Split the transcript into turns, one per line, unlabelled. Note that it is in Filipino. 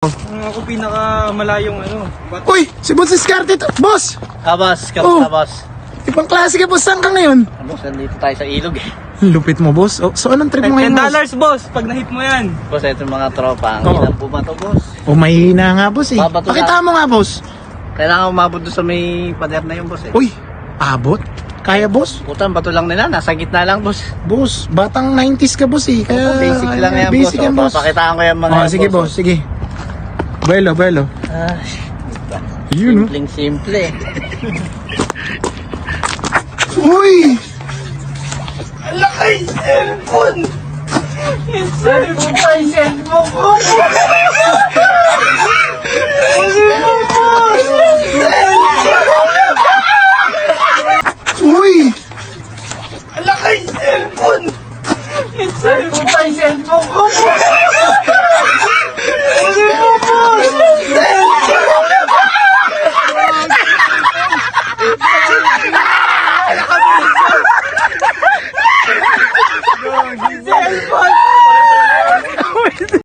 Ako pinakamalayong ano.
Uy, si Boss Discarte to. Boss!
Boss,
Oh.
kamusta boss?
Ibang klase ka, boss. Saan ka ngayon?
Boss, nandito tayo sa ilog eh.
Lupit mo, boss. Oh, so, anong trip mo ngayon, boss?
$10 boss, pag na-hit mo yan.
Boss, ito yung mga tropa. Ang
Oo.
ilang bumato, boss.
Oh, mahihina nga, boss, eh.
Babato
Pakita mo nga, boss.
Kailangan umabot doon sa may pader na yun, boss eh.
Uy, abot? Kaya, boss?
Putang, bato lang nila. Nasa gitna lang, boss.
Boss, batang 90s ka, boss, eh. Kaya,
Basic lang yan,
basic
boss.
yan, boss.
Papakitaan ko yung mga
Oh, sige, boss, sige. Buelo, buelo.
Ah,
Yun, oh.
simple.
Uy! Uy!